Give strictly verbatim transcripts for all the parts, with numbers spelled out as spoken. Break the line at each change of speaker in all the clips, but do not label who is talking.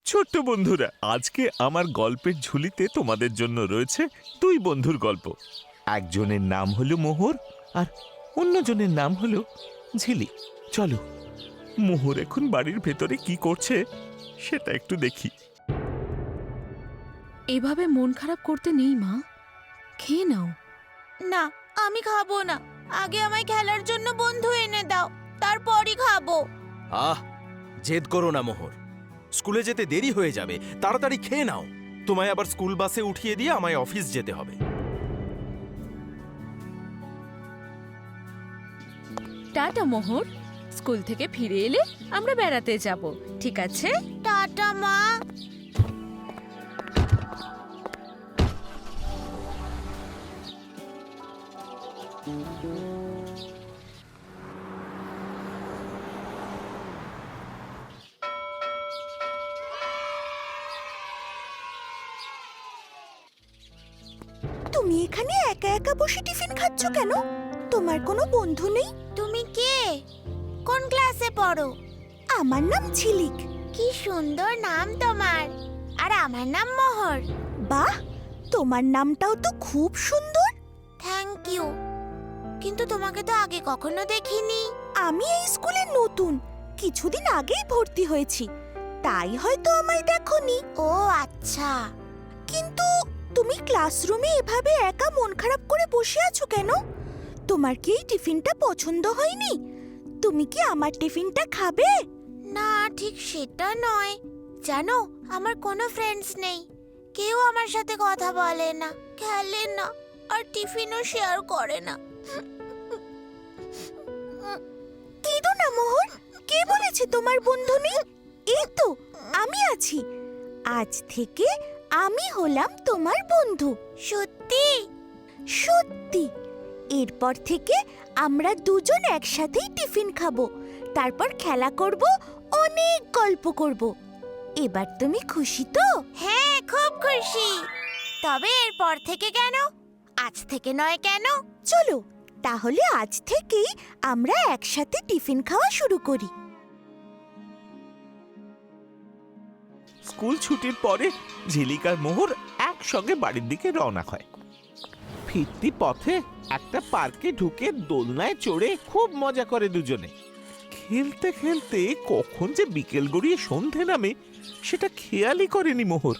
ছোট্ট বন্ধুরা, আজকে আমার গল্পের ঝুলিতে তোমাদের জন্য রয়েছে দুই বন্ধুর গল্প। একজনের নাম হলো মোহর আর অন্যজনের নাম হলো ঝিলিক। চলো মোহর এখন বাড়ির ভেতরে কি করছে সেটা একটু দেখি।
এভাবে মন খারাপ করতে নেই মা, খেয়ে নাও।
না, আমি খাবো না। আগে আমায় খেলার জন্য বন্ধু এনে দাও, তারপরই খাবো।
আহ, জেদ করো না মোহর। স্কুলে যেতে দেরি হয়ে যাবে, তাড়াতাড়ি খেয়ে নাও। তোমায় আবার স্কুল বাসে উঠিয়ে দিয়ে আমায় অফিস যেতে হবে।
টাটা মোহর, স্কুল থেকে ফিরে এলে আমরা বেড়াতে যাব, ঠিক আছে?
টাটা মা।
তুমি এখানে একা একা বসে টিফিন খাচ্ছ কেন? তোমার কোনো বন্ধু নেই?
তুমি কে? কোন ক্লাসে পড়ো?
আমার নাম ঝিলিক।
কি সুন্দর নাম তোমার। আর আমার নাম মোহর।
বাহ, তোমার নামটাও তো খুব সুন্দর।
Thank you. কিন্তু তোমাকে তো আগে কখনো দেখিনি।
আমি এই স্কুলে নতুন, কিছুদিন আগেই ভর্তি হয়েছি, তাই হয়তো আমায় দেখোনি।
ও আচ্ছা।
কিন্তু তুমি ক্লাসরুমে এভাবে একা মন খারাপ করে বসে আছো কেন? তোমার কি এই টিফিনটা পছন্দ হয়নি? তুমি কি আমার টিফিনটা খাবে?
না, ঠিক সেটা নয়। জানো, আমার কোনো ফ্রেন্ডস নেই। কেউ আমার সাথে কথা বলে না, খেলে না, আর টিফিনও শেয়ার করে না।
কেঁদো না মোহর, কে বলেছে তোমার বন্ধু নেই? এই তো আমি আছি। আজ থেকে আমি হলাম তোমার বন্ধু।
সত্যি?
সত্যি। এরপর থেকে আমরা দুজন একসাথেই টিফিন খাবো, তারপর খেলা করব, অনেক গল্প করব। এবার তুমি খুশি তো?
হ্যাঁ, খুব খুশি। তবে এরপর থেকে কেন? আজ থেকে নয় কেন?
চলো তাহলে আজ থেকেই আমরা একসাথে টিফিন খাওয়া শুরু করি।
স্কুল ছুটির পরে ঝিলিক আর মোহর একসঙ্গে বাড়ির দিকে রওনা হয়। ফিরতি পথে একটা পার্কে ঢুকে দোলনায় চড়ে খুব মজা করে দুজনে। খেলতে খেলতে কখন যে বিকেল গড়িয়ে সন্ধে নামে সেটা খেয়ালই করেনি মোহর।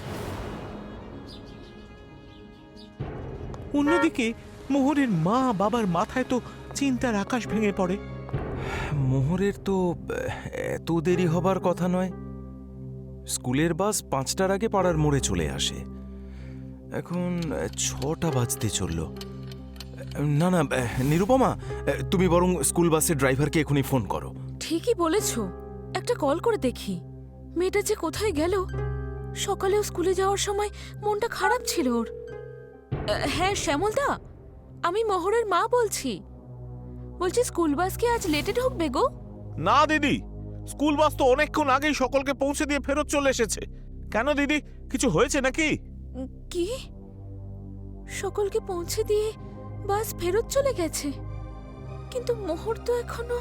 অন্যদিকে মোহরের মা বাবার মাথায় তো চিন্তার আকাশ ভেঙে পড়ে।
মোহরের তো এত দেরি হবার কথা নয়। স্কুলের বাস পাঁচটার আগে পাড়ার মোড়ে চলে আসে। এখন ছটা বাজতে চলল। না না নিরুপমা, তুমি বরং স্কুল বাসের ড্রাইভারকে এখনই ফোন করো।
ঠিকই বলেছো, একটা কল করে দেখি মেয়েটা যে কোথায় গেল। সকালেও স্কুলে যাওয়ার সময় মনটা খারাপ ছিল ওর। আহ, হ্যাঁ শ্যামলদা, আমি মোহরের মা বলছি। বলছি স্কুল বাস কি আজ লেটে ঢুকবে গো?
না দিদি, স্কুল বাস তো অনেকক্ষণ আগেই সকলকে পৌঁছে দিয়ে ফেরত চলে এসেছে। কেন দিদি, কিছু হয়েছে নাকি?
উম, কি সকলকে পৌঁছে দিয়ে বাস ফেরত চলে গেছে? কিন্তু মোহর তো এখনো।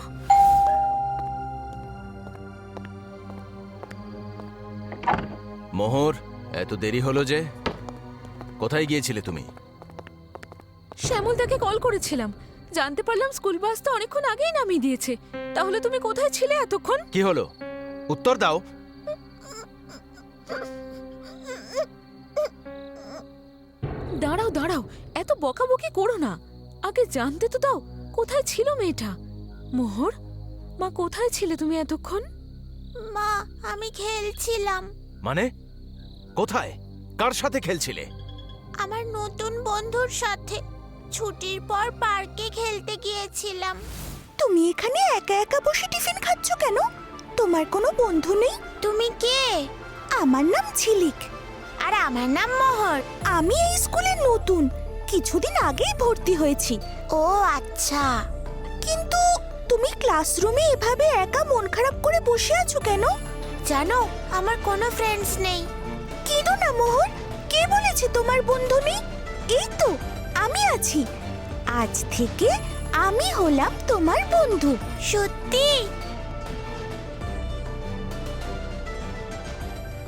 মোহর, এত দেরি হলো যে? কোথায় গিয়েছিলে তুমি?
শ্যামলদাকে কল করেছিলাম, জানতে পারলাম স্কুল বাস তো অনেকক্ষণ আগেই নামিয়ে দিয়েছে। তাহলে তুমি কোথায় ছিলে এতক্ষণ?
কি হলো, উত্তর দাও।
দাঁড়াও দাঁড়াও, এত বকাবকি করো না, আগে জানতে তো দাও কোথায় ছিল মেয়েটা। মোহর, মা কোথায় ছিলে তুমি এতক্ষণ?
মা, আমি খেলছিলাম।
মানে কোথায়, কার সাথে খেলছিলে?
আমার নতুন বন্ধুর সাথে ছুটির পর পার্কে খেলতে গিয়েছিলাম।
তুমি এখানে একা একা বসে টিফিন খাচ্ছ কেন? তোমার কোনো বন্ধু নেই?
তুমি কে?
আমার নাম ঝিলিক।
আর আমার নাম মোহর।
আমি এই স্কুলে নতুন, কিছুদিন আগেই ভর্তি হয়েছি।
ও আচ্ছা।
কিন্তু তুমি ক্লাসরুমে এভাবে একা মন খারাপ করে বসে আছো কেন?
জানো, আমার কোনো ফ্রেন্ডস নেই।
কেঁদো না মোহর, কে বলেছে তোমার বন্ধু নেই? এই তো আমি আছি। আজ থেকে আমি হলাম তোমার বন্ধু।
সত্যি?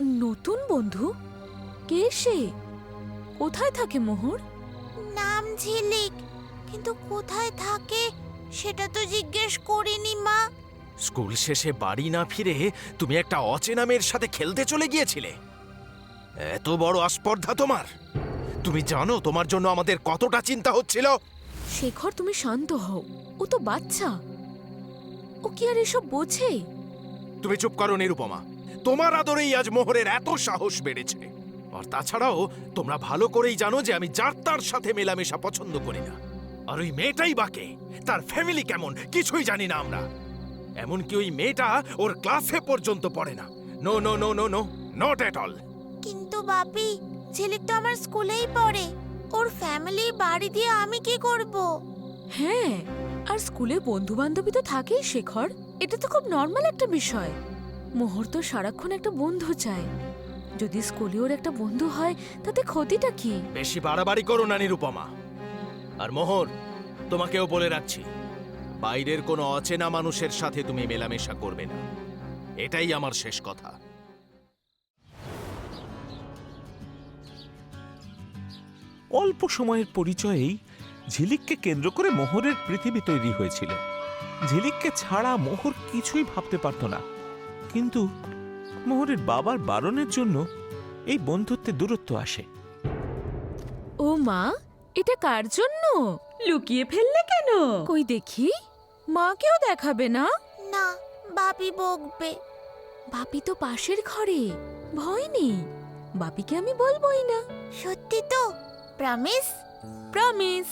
নতুন বন্ধু? কে সে? কোথায় থাকে মোহর?
নাম ঝিলিক, কিন্তু কোথায় থাকে সেটা তো জিজ্ঞেস করিনি মা।
স্কুল শেষে বাড়ি না ফিরে তুমি একটা অচেনা মেয়ের সাথে খেলতে চলে গিয়েছিলে? এত বড় আস্পর্ধা তোমার! তুমি জানো তোমার জন্য আমাদের কতটা চিন্তা হচ্ছিল?
শেখর, তুমি শান্ত হও। ও তো বাচ্চা, ও কি আর এসব বোঝে?
তুমি চুপ করো নিরুপমা। তোমার আদরেই আজ মোহরের এত সাহস বেড়েছে। আর তাছাড়াও তোমরা ভালো করেই জানো যে আমি যার তার সাথে মেলামেশা পছন্দ করি না। আর ওই মেয়েটাই বাকে, তার ফ্যামিলি কেমন কিছুই জানি না আমরা। এমনকি ওই মেয়েটা ওর ক্লাসে পর্যন্ত পড়ে না। No no no no no not at all.
কিন্তু বাপি, ঝিলিক তো আমার স্কুলেই পড়ে। ওর ফ্যামিলি বাড়ি দিয়ে আমি কি করব?
হ্যাঁ, আর স্কুলে বন্ধু বান্ধবী তো থাকেই শেখর। এটা তো খুব নর্মাল একটা বিষয়। মোহর তো সারাক্ষণ একটা বন্ধু চায়। যদি স্কুলে ওর একটা বন্ধু হয় তাতে ক্ষতিটা কি?
বেশি বাড়াবাড়ি করো না নিরুপমা। আর মোহর, তোমাকেও বলে রাখছি, বাইরের কোনো অচেনা মানুষের সাথে তুমি মেলামেশা করবে না। এটাই আমার শেষ কথা।
অল্প সময়ের পরিচয়েই ঝিলিককে কেন্দ্র করে মোহরের পৃথিবী তৈরি হয়েছিল। ঝিলিককে ছাড়া মোহর কিছুই ভাবতে পারত না, কিন্তু মোহরের বাবার বারণের জন্য এই বন্ধুত্বে দূরত্ব আসে।
ও মা, এটা কার জন্য? লুকিয়ে ফেললে কেন? কই দেখি। মাকেও দেখাবে না?
না, বাপি বকবে।
বাপি তো পাশের ঘরে, ভয় নেই। বাপিকে আমি বলবোই না।
সত্যি তো? প্রমিস?
প্রমিস।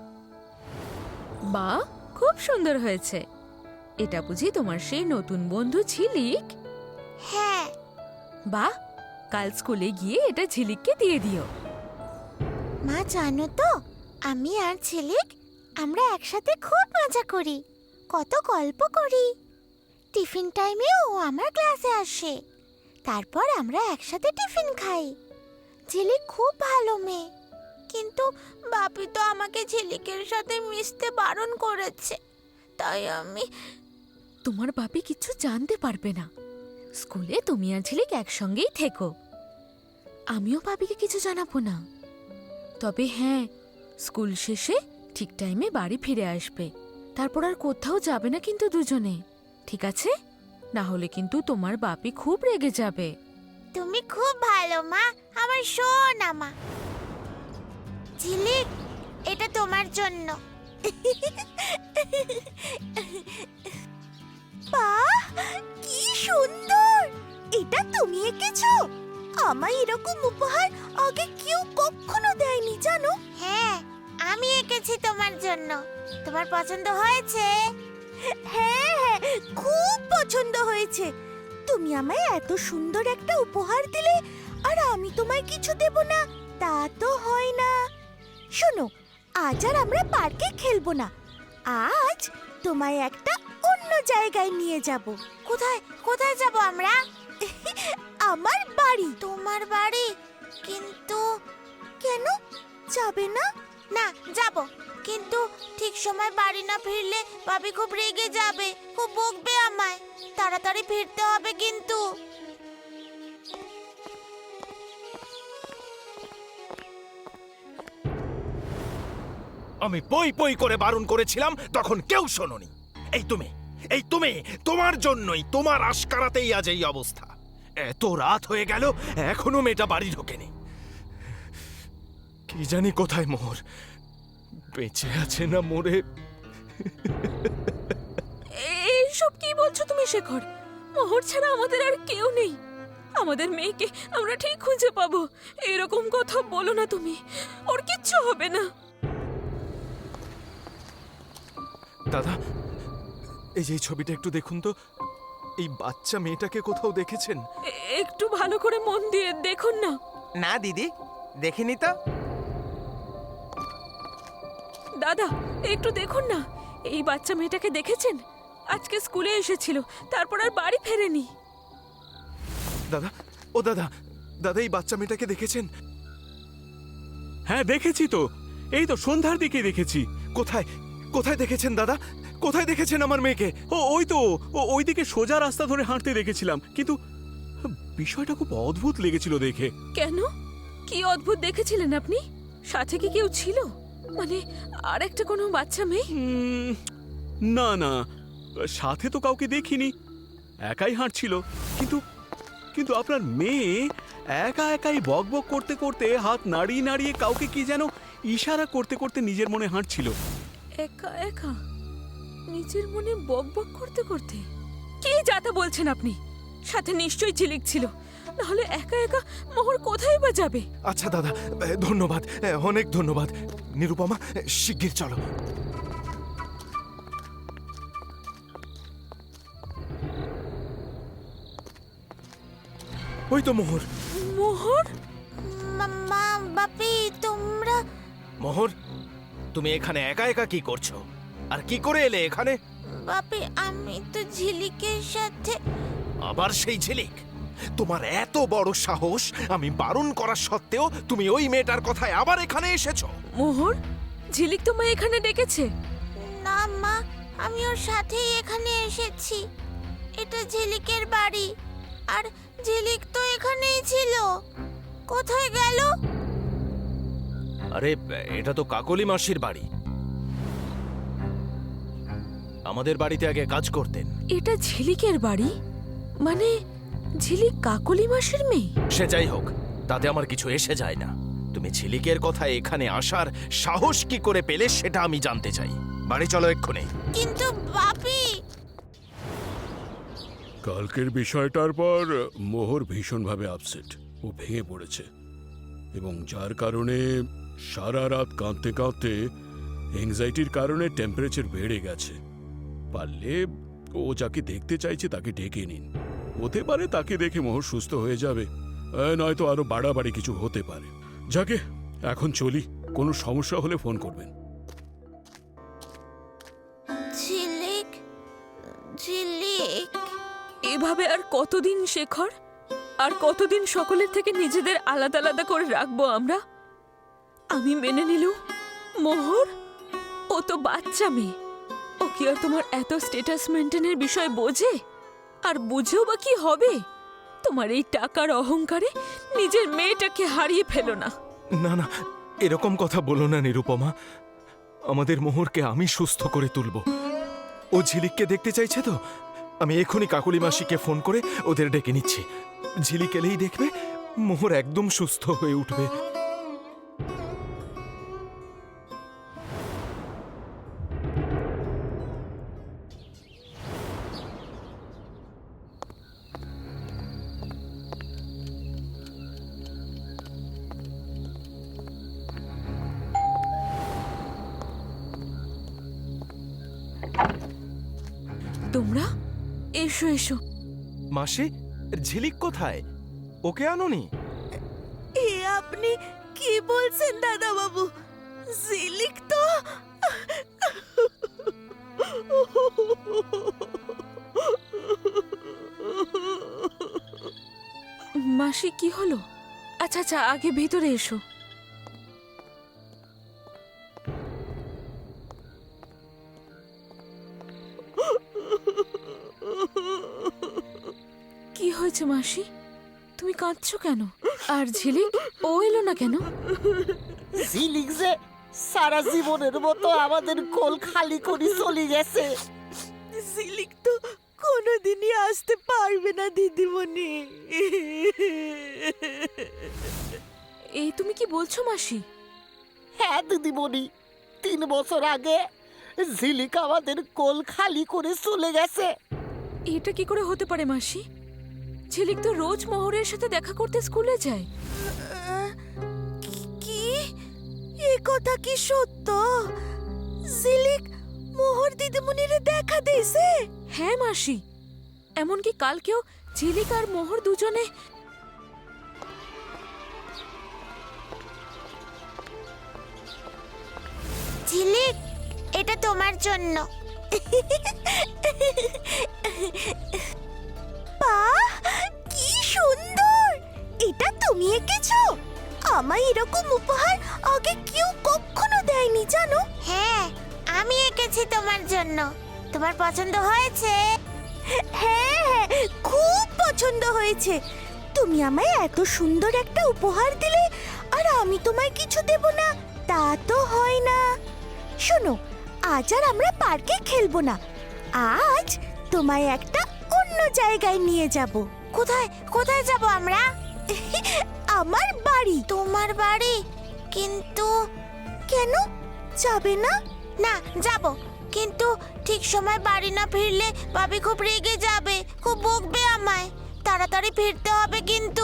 বা, খুব সুন্দর হয়েছে। এটা বুঝি তোমার সেই নতুন বন্ধু ঝিলিক?
হ্যাঁ।
বাহ, কাল স্কুলে গিয়ে এটা ঝিলিককে দিয়ে দিও।
মা জানো তো, আমি আর ঝিলিক আমরা একসাথে খুব মজা করি, কত গল্প করি। টিফিন টাইমে ও আমার ক্লাসে আসে, তারপর আমরা একসাথে টিফিন খাই। ঝিলিক খুব ভালো মেয়ে, কিন্তু বাপি তো আমাকে ঝিলিকের সাথে মিশতে বারণ করেছে। তাই আমি...
তোমার বাপি কিছু জানতে পারবে না। স্কুলে তুমি আর ঝিলিক একসঙ্গেই থেকো। আমিও বাপিকে কিছু জানাবো না। তবে হ্যাঁ, স্কুল শেষে ঠিক টাইমে বাড়ি ফিরে আসবে। তারপর আর কোথাও যাবে না কিন্তু দুজনে, ঠিক আছে? না হলে কিন্তু তোমার বাপি খুব রেগে যাবে।
তুমি খুব ভালো মা, আমার সোনা মা। ঝিলিক, এটা তোমার জন্য।
বাহ, কি সুন্দর! এটা তুমি এঁকেছো? আমায় এরকম উপহার আগে কেউ কখনো দেয়নি, জানো?
হ্যাঁ, আমি এঁকেছি তোমার জন্য। তোমার পছন্দ হয়েছে?
হ্যাঁ হ্যাঁ, খুব পছন্দ হয়েছে। তুমি আমায় এত সুন্দর একটা উপহার দিলে আর আমি তোমায় কিছু দেব না, তা তো হয় না। শোনো, আজ আর আমরা পার্কে খেলবো না। আজ তোমায় একটা অন্য জায়গায় নিয়ে যাব।
কোথায় কোথায় যাব আমরা?
আমার বাড়ি।
তোমার বাড়ি? কিন্তু
কেন যাবে না?
না, যাব, কিন্তু ঠিক সময় বাড়ি না ফিরলে ভাবি খুব রেগে যাবে, খুব বকবে আমায়। তাড়াতাড়ি ফিরতে হবে কিন্তু।
আমি পই পই করে বারণ করেছিলাম, তখন কেউ শোনোনি। এই তুমি, এই তুমি, তোমার জন্যই, তোমার আশকারাতেই আজ এই অবস্থা। এত রাত হয়ে গেল, এখনো মেয়েটা বাড়ি ঢোকেনি। কি জানি কোথায় মোহর, বেঁচে আছে না মরে।
এইসব কি বলছো তুমি শেখর? মোহর ছাড়া আমাদের আর কেউ নেই। আমাদের মেয়েকে আমরা ঠিক খুঁজে পাবো। এরকম কথা বলো না তুমি, ওর কিচ্ছু হবে না।
দাদা, এই যে এই ছবিটা একটু দেখুন তো। এই বাচ্চা মেয়েটাকে কোথাও দেখেছেন?
এ- একটু ভালো করে মন দিয়ে দেখুন না।
না দিদি, দেখিনি তো।
দাদা, একটু দেখুন না। এই বাচ্চা মেয়েটাকে দেখেছেন? আজকে স্কুলে এসেছিল, তারপর আর বাড়ি ফেরেনি।
দাদা, ও দাদা, দাদা এই বাচ্চা মেয়েটাকে দেখেছেন?
হ্যাঁ দেখেছি তো, এই তো সন্ধ্যার দিকে দেখেছি।
কোথায় কোথায় দেখেছেন দাদা? কোথায় দেখেছেন আমার মেয়েকে?
ও ওই তো, ও ওইদিকে সোজা রাস্তা ধরে হাঁটতে দেখেছিলাম, কিন্তু বিষয়টা খুব অদ্ভুত লেগেছিল দেখে।
কেন? কি অদ্ভুত দেখেছিলেন আপনি? সাথে কি কেউ ছিল? মানে আর একটা কোনো বাচ্চা মেয়ে?
উম, না না, সাথে তো কাউকে দেখিনি, একাই হাঁটছিল। কিন্তু কিন্তু আপনার মেয়ে একা একাই বক বক করতে করতে হাত নাড়িয়ে নাড়িয়ে কাউকে কি যেন ইশারা করতে করতে নিজের মনে হাঁটছিল।
একা একা নিজের মনে বক বক করতে করতে? কি যাতা বলছেন আপনি? সাথে নিশ্চয়ই ঝিলিক ছিল, নাহলে একা একা মোহর কোথায় বা যাবে?
আচ্ছা দাদা, ধন্যবাদ, অনেক ধন্যবাদ। নিরুপমা, শিগগির চলো। ওই তো মোহর।
মোহর?
মা- মা বাপি তোমরা
মোহর, তুমি এখানে একা একা কি করছো? আর কি করে এলে এখানে?
বাপি আমি তো ঝিলিকের সাথে।
আবার সেই ঝিলিক? তোমার এত বড় সাহস! আমি বারণ করা সত্ত্বেও তুমি ওই মেয়েটার কথায় আবার এখানে এসেছো?
মোহর, ঝিলিক তোমায় এখানে ডেকেছে?
না মা, আমি ওর সাথেই এখানে এসেছি। এটা ঝিলিকের বাড়ি, আর ঝিলিক তো এখানেই ছিল। কোথায় গেল?
আরে, এটা তো কাকলি মাসির বাড়ি। আমাদের বাড়িতে আগে কাজ করতেন।
এটা ঝিলিকের বাড়ি? মানে ঝিলিক কাকলি মাসির মেয়ে?
সে যাই হোক, তাতে আমার কিছু এসে যায় না। তুমি ঝিলিকের কথায় এখানে আসার সাহস কি করে পেলে সেটা আমি জানতে চাই। বাড়ি চলো এক্ষুনি।
কিন্তু বাপি,
কালকের বিষয়টার পর মোহর ভীষণভাবে আপসেট, ও ভেঙে পড়েছে, এবং যার কারণে সারা রাত কাঁদতে কাঁদতে এংজাইটির কারণে টেম্পারেচার বেড়ে গেছে। পারলে ও যাকে দেখতে চাইছে তাকে ডেকে নিন। হতে পারে তাকে দেখে মোহর সুস্থ হয়ে যাবে, আহ, নয়তো আরো বাড়াবাড়ি কিছু হতে পারে। যাকে এখন চলি, কোনো সমস্যা হলে ফোন করবেন।
ঝিলিক ঝিলিক
এভাবে আর কতদিন শেখর? আর কতদিন সকলের থেকে নিজেদের আলাদা আলাদা করে রাখবো আমরা? আমি মেনে নিলুম, মোহর ও তো বাচ্চা মেয়ে, ও কি আর তোমার এত স্ট্যাটাস মেনটেনের বিষয় বোঝে? আর বুঝেও বা কি হবে? তোমার এই টাকার অহংকারে নিজের মেয়েটাকে হারিয়ে ফেলো না।
না না, এরকম কথা বলো না নিরুপমা। আমাদের মোহরকে আমি সুস্থ করে তুলব। ও ঝিলিককে দেখতে চাইছে তো? আমি এখনই কাকলি মাসিকে ফোন করে ওদের ডেকে নিচ্ছি। ঝিলিক এলেই দেখবে মোহর একদম সুস্থ হয়ে উঠবে।
তোমরা এসো এসো।
মাসি, ঝিলিক কোথায়? ওকে আনোনি?
এ আপনি কি বলছেন দাদা বাবু? ঝিলিক তো
মাসি, কি হলো? আচ্ছা আচ্ছা, আগে ভেতরে এসো। কি হয়েছে মাসি? তুমি কাঁদছো কেন? আর ঝিলিক, ও এলো না কেন?
ঝিলিক যে সারা জীবনের মতো আমাদের কোল খালি করে চলে গেছে।
ঝিলিক তো কোনোদিনই আসতে পারবে না দিদিমণি।
এই তুমি কি বলছো মাসি?
হ্যাঁ দিদিমণি, তিন বছর আগে ঝিলিক আমাদের কোল খালি করে চলে গেছে।
এটা কি করে হতে পারে মাসি? ঝিলিক তো রোজ মোহরের সাথে দেখা করতে স্কুলে যায়।
কি এ কথা কি সত্য? ঝিলিক মোহর দিদিমণিরে দেখা দিয়েছে?
হ্যাঁ মাসি, এমনকি কালকেও ঝিলিক আর মোহর দুজনে।
ঝিলিক, এটা তোমার জন্য।
বাহ, কি সুন্দর! এটা তুমি এঁকেছো? আমায় এরকম উপহার আগে কেউ কখনো দেয়নি জানো?
হ্যাঁ, আমি এঁকেছি তোমার জন্য। তোমার পছন্দ হয়েছে?
হ্যাঁ হ্যাঁ, খুব পছন্দ হয়েছে। তুমি আমায় এত সুন্দর একটা উপহার দিলে আর আমি তোমায় কিছু দেব না, তা তো হয় না। শোনো, আজ আর আমরা পার্কে খেলবো না, আজ তোমায় একটা অন্য জায়গায় নিয়ে যাব।
কোথায় কোথায় যাব আমরা?
আমার বাড়ি।
তোমার বাড়ি? কিন্তু
কেন যাবে না?
না, যাব, কিন্তু ঠিক সময় বাড়ি না ফিরলে ভাবি খুব রেগে যাবে, খুব বকবে আমায়। তাড়াতাড়ি ফিরতে হবে কিন্তু।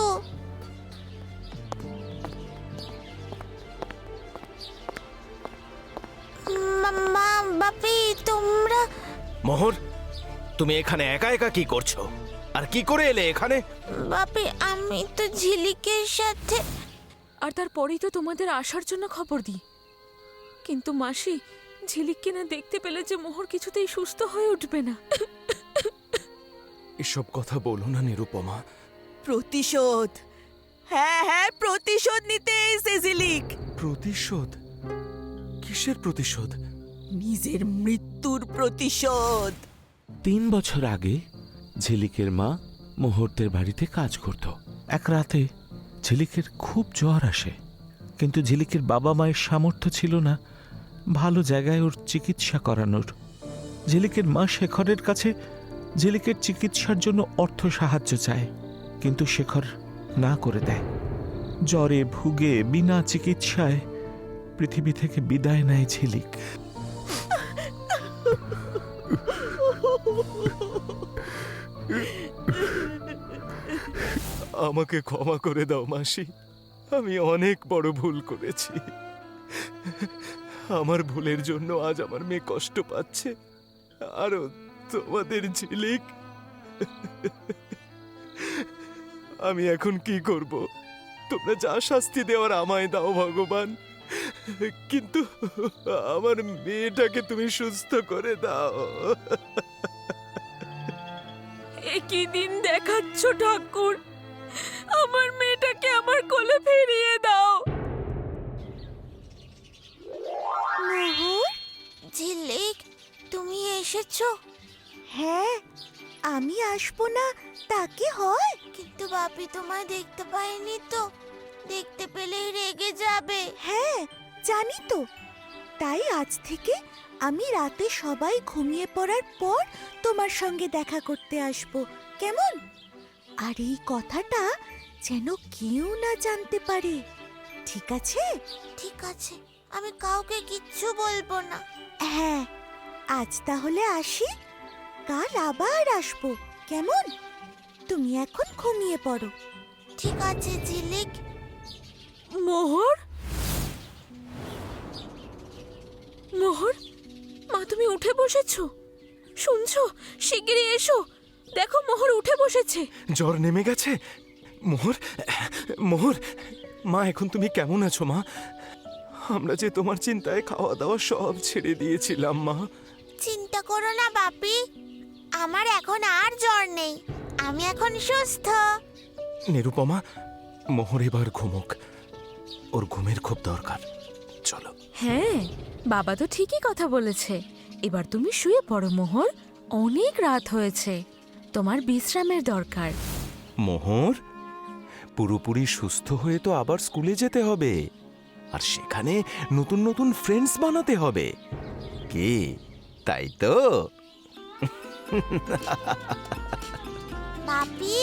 মা- মা বাপি, তোমরা?
মোহর, তুমি এখানে একা একা কি করছো? আর কি করে এলে এখানে?
বাপি, আমি তো ঝিলিকের সাথে।
আর তারপরেই তো তোমাদের আসার জন্য খবর দিই। কিন্তু মাসি, ঝিলিককে না দেখতে পেলে যে মোহর কিছুতেই সুস্থ হয়ে উঠবে না।
এসব কথা বলো না নিরুপমা।
প্রতিশোধ, হ্যাঁ হ্যাঁ প্রতিশোধ নিতে এসে ঝিলিক।
প্রতিশোধ? কিসের প্রতিশোধ?
নিজের মৃত্যুর প্রতিশোধ।
তিন বছর আগে ঝিলিকের মা মুহূর্তের বাড়িতে কাজ করত। এক রাতে ঝিলিকের খুব জ্বর আসে, কিন্তু ঝিলিকের বাবা মায়ের সামর্থ্য ছিল না ভালো জায়গায় ওর চিকিৎসা করানোর। ঝিলিকের মা শেখরের কাছে ঝিলিকের চিকিৎসার জন্য অর্থ সাহায্য চায়, কিন্তু শেখর না করে দেয়। জ্বরে ভুগে বিনা চিকিৎসায় পৃথিবী থেকে বিদায় নেয় ঝিলিক।
আমাকে ক্ষমা করে দাও মাসি, আমি অনেক বড় ভুল করেছি। আমার ভুলের জন্য আজ আমার মেয়ে কষ্ট পাচ্ছে, আরো তোমাদের ঝিলিক। আমি এখন কি করব? তোমরা যা শাস্তি দেওয়ার আমায় দাও ভগবান, কিন্তু আমার মেয়েটাকে তুমি সুস্থ করে দাও।
একই দিন দেখাচ্ছ ঠাকুর, আমার মেয়েটাকে আমার কোলে ফিরিয়ে দাও।
মোহর,
ঝিলিক, তুমি এসেছো?
হ্যাঁ, আমি আসবো না তা কি হয়?
কিন্তু বাপি তোমায় দেখতে পাইনি তো, দেখতে পেলেই রেগে যাবে।
হ্যাঁ জানি তো, তাই আজ থেকে আমি রাতে সবাই ঘুমিয়ে পড়ার পর তোমার সঙ্গে দেখা করতে আসবো, কেমন? আর এই কথাটা যেন কেউ না জানতে পারে, ঠিক আছে?
ঠিক আছে, আমি কাউকে কিচ্ছু বলবো না।
হ্যাঁ, আজ তাহলে আসি, কাল আবার আসবো, কেমন? তুমি এখন ঘুমিয়ে পড়ো।
ঠিক আছে ঝিলিক।
মোহর, মোহর, মা তুমি উঠে বসেছো? শুনছো? শিগগিরই এসো, দেখো মোহর উঠে বসেছে।
জ্বর নেমে গেছে? মোহর, মোহর, মা এখন তুমি কেমন আছো মা? আমরা যে তোমার চিন্তায় খাওয়া দাওয়া সব ছেড়ে দিয়েছিলাম মা।
চিন্তা করো না বাপি, আমার এখন আর জ্বর নেই, আমি এখন সুস্থ।
নিরুপমা, মোহর এবার ঘুমোক, ওর ঘুমের খুব দরকার। চলো।
হ্যাঁ, বাবা তো ঠিকই কথা বলেছে। এবার তুমি শুয়ে পড়ো মোহর, অনেক রাত হয়েছে, তোমার বিশ্রামের দরকার।
মোহর, পুরোপুরি সুস্থ হয়ে তো আবার স্কুলে যেতে হবে, আর সেখানে নতুন নতুন ফ্রেন্ডস বানাতে হবে, কি তাই তো?
বাপি,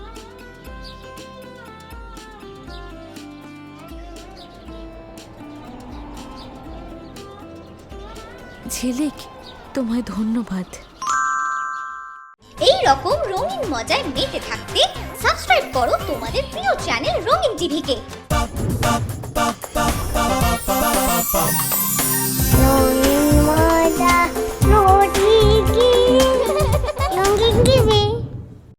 ঝিলিক, তোমায় ধন্যবাদ।
এই রকম রঙিন মজায় মেতে থাকতে সাবস্ক্রাইব করো তোমাদের প্রিয় চ্যানেল রঙিন টিভিকে।